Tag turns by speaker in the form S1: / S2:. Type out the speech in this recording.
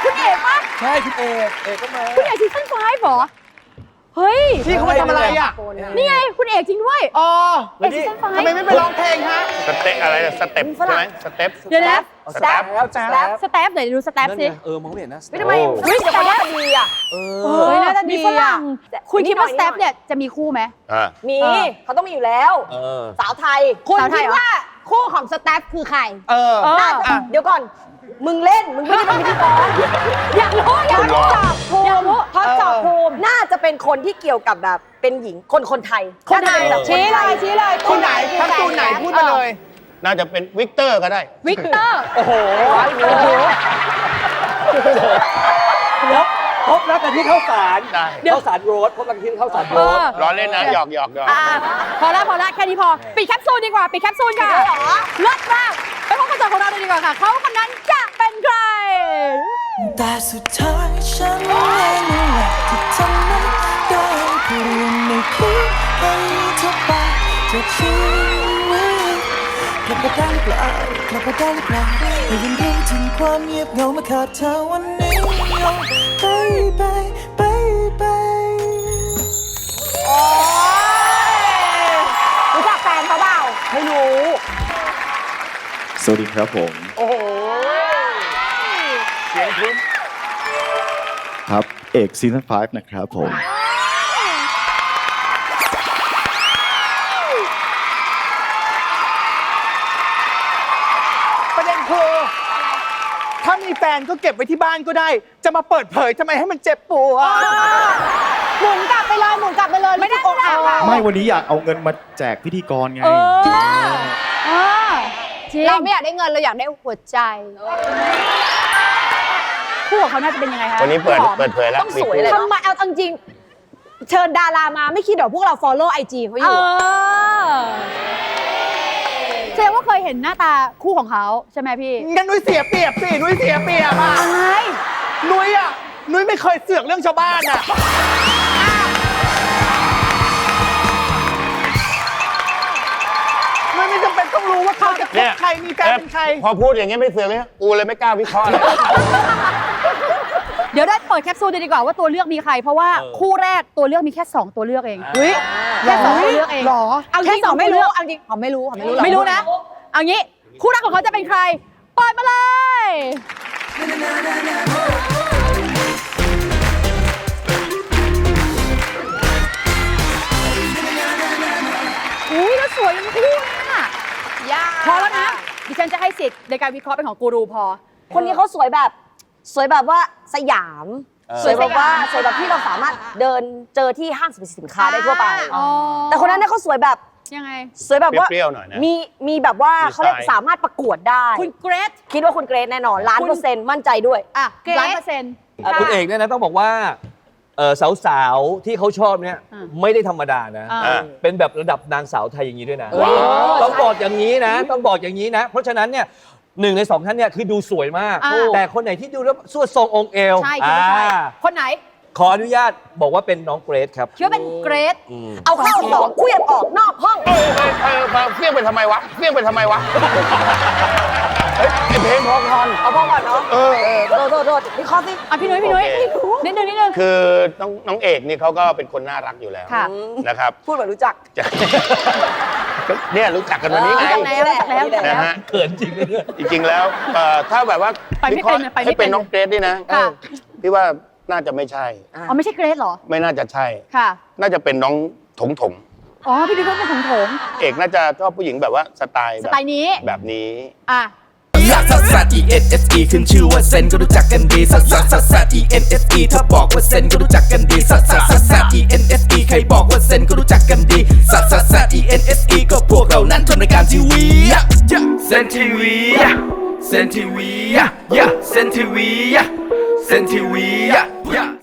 S1: คุณเอกปะ
S2: ใช่คุณเอกก็มา
S1: คุณเอกซีซั่น5เหรอเฮ้ย
S3: พี่เขามาทำอะไรอ่ะ
S1: นี่ไงคุณเอกจริงด้วย
S3: อ๋อ
S1: เอกซีซั่น
S3: ทำไมไม่ไปร้องเพลงฮะ
S4: สเต็ปอะไรสเต็ปใช่ไหมสเต็ป
S1: 5เดี๋ยวนะ
S2: สแตปแล้ว
S1: สแตปเดี๋ยวดูสแตป
S2: นั่น
S1: สิ
S2: ไงมองไม่เห็นนะ
S4: ทำไม
S1: เฮ้ยสแตปดีอ่ะเฮ้ยน่าจะดีฝรั่งคุณคิดว่าสแตปเนี่ยจะมีคู่ไหม
S5: มี
S1: เออ
S5: เขาต้องมีอยู่แล้ว สาวไทย คุณ
S1: สาวไท
S5: คิ
S1: ย
S5: ด
S1: เหรอ
S5: ว่าคู่ของสแตฟคือใคร
S3: เออ
S5: น่าจะเดี๋ยวก่อน มึงเล่น มึงไม่ได้เป็นพิธีกร
S1: อยากรู้อยากรู้อยากรู้
S5: ทดสอบภูมิน่าจะเป็นคนที่เกี่ยวกับแบบเป็นหญิงคนไทย
S1: คนไหน
S5: าจะเป็นแบบ
S1: ชี้เลยชี้เลย
S3: คุณไหนทั้งตูนไหนพูดมาเลย
S4: น่าจะเป็นวิกเตอร์ก็ได้
S1: วิกเตอร์
S3: โอ้โห
S2: แล้วพบรักกันที่ข้าวสาร
S4: ได้
S2: ข้าวสารโรสพบรักกันที่ข้าวสารโรส
S4: ล้อเล่นนะหยอก
S1: พอแล้วแค่นี้พอปิดแคปซูลดีกว่าปิดแคปซูลค่ะเลิศมากไปพบกันต่อของเราเลยดีกว่าค่ะเขาคนนั้นจะเป็นใคร
S6: แต่สุดท้ายฉันเองนั่นแหละที่ทำให้ได้เปลี่ยนในคิดให้เธอไปจากชีวิตกลับมาได้เปล่ากลับมาได้หรือเปล่าได้ยินเรื่องถึงความเงียบเหงามาขาดเธอวันนี้ baby
S5: โอ้ยรู้จักแฟนเขาเปล่าไม่รู้
S7: สวัสดีครับผม
S3: โอ้โห
S4: เสียงคุ้ม
S7: ครับเอกซีซั่น5นะครับผม
S3: ประเด็นคือถ้ามีแฟนก็เก็บไว้ที่บ้านก็ได้ จะมาเปิดเผยทำไมให้มันเจ็บปวด
S5: หมุนกลับไปเลยไม่ได้อกหักอะ
S7: ไม่วันนี้อยากเอาเงินมาแจกพิธีกรไง
S1: จริง
S5: เราไม่อยากได้เงินเราอยากได้หัวใจ
S1: คู่ของเขาน่าจะเป็นยังไงคะ
S4: วันนี้เปิดเผยแล้ว
S5: ต้องสวยเลยทำไมเอาจริงเชิญดารามาไม่คิดเดี๋ยวพวกเรา follow IG เขาอยู่
S1: แสดงว่าเคยเห็นหน้าตาคู่ของเขาใช่ไหมพี่
S3: งั้นนุ้ยเสียเปรียบสินุ้ยเสียเปรียบอ่ะ
S1: อะไร
S3: นุ้ยอ่ะนุ้ยไม่เคยเสือกเรื่องชาวบ้านอ่ะนุ้ยไม่จำเป็นต้องรู้ว่าเขาจะคบใครมีแฟนเป็นใคร
S4: พอพูดอย่างเงี้ยไม่เสือกเลยกูเลยไม่กล้าวิเคราะห์เลย
S1: เดี๋ยวได้เปิดแคปซูลดีกว่าว่าตัวเลือกมีใคร เพราะว่าคู่แรกตัวเลือกมีแค่ 2 ตัวเลือกเองแค่2ตัวเลือกเอง
S3: หรอ
S5: เอาจริงหอมไม่รู้เอาจริงหอมไม่รู้หรอ
S1: ไม่รู้นะ เอางี้คู่รักของเขาจะเป็นใครเปิดมาเลยอุ้ยแล้วสวยทั้งคู่น่ะพอแล้วนะดิฉันจะให้สิทธิ์ในการวิเคราะห์เป็นของกูรูพอ
S5: คนนี้เขาสวยแบบว่าสยามสวยแบบที่เราสามารถเดินเจอที่ห้างสรรพสินค้าได้ทั่วไป แต่คนนั้นเนี่ยเขาสวยแบบ
S1: ยังไง
S5: สวยแบบว่า
S4: เปรี้ยวๆหน่อยนะ
S5: มีแบบว่า
S4: มีสไตล์
S5: เขาเรียกสามารถประกวดได้
S1: คุณเกรซ
S5: คิดว่าคุณเกรซแน่นอน1,000,000%มั่นใจด้วย
S1: อ่ะ
S5: เกรซ
S1: 1,000,000%
S2: คุณเอกเนี่ยนะต้องบอกว่าสาวๆที่เขาชอบเนี่ย
S1: อ่า
S2: ไม่ได้ธรรมดานะ
S1: อ่า
S2: เป็นแบบระดับนางสาวไทยอย่างนี้ด้วยนะ
S5: เฮ้ย
S2: ต้องบอกอย่างนี้นะ ต้องบอกอย่างนี้นะ เพราะฉะนั้นเนี่ย1 ใน 2ท่านเนี่ยคือดูสวยมาก
S1: อ่า
S2: แต่คนไหนที่ดูแล้วสวดทรงองค์เอว
S1: ใช่คิดว่าใช่คนไหน
S2: ขออนุญาตบอกว่าเป็นน้องเกรซครับ
S1: คิดว่าเป็นเกรซ
S5: เอาเข้า2เคลื่อนออกนอกห้อง
S4: เฟี้ยงไปทำไมวะเฟี้ยงไปทำไมวะเฮ้ยไอเพลงพอคอน
S5: เอาพ่อก่อนเนาะโทษวิเคราะห์สิ
S1: อ่ะพี่นุ้ย
S4: โอเค
S1: นิดนึง
S4: คือน้องเอกนี่เขาก็เป็นคนน่ารักอยู่แล้ว
S1: ค่ะ
S4: นะครับ
S5: พูดแบบรู้จัก
S4: เนี่ยรู้จักกันวันนี้ไง
S1: รู้จักแล้ว
S4: นะฮะ
S2: เขินจริงเลยเนี่ย
S4: จริงๆแล้วถ้าแบบว่า
S1: ไปไม่เป็นไปไม่เป็น
S4: ให้เป็นน้องเกรซนี่นะ
S1: ค่ะ
S4: พี่ว่าน่าจะไม่ใช่
S1: อ๋อไม่ใช่เกรซเหรอ
S4: ไม่น่าจะใช่
S1: ค่ะ
S4: น่าจะเป็นน้องถง
S1: อ๋อพี่นุ้ยก็เป็นของผม
S4: เอกน่าจะชอบผู้หญิงแบบว่าสไตล์
S1: สไตล์นี้
S4: แบบนี้
S1: อ่ะ
S6: ลักซัสซัส E N S E ขึ้นชื่อว่าเซนก็รู้จักกันดีซัสซัสซัสซัส E N S E ถ้าบอกว่าเซนก็รู้จักกันดีซัสซัสซัสซัส E N S E ใครบอกว่าเซนก็รู้จักกันดีซัสซัสซัส E N S E ก็พวกเรานั้นทำรายการทีวีเซนทีวีเซนทีวีเซนทีวีเซนทีวี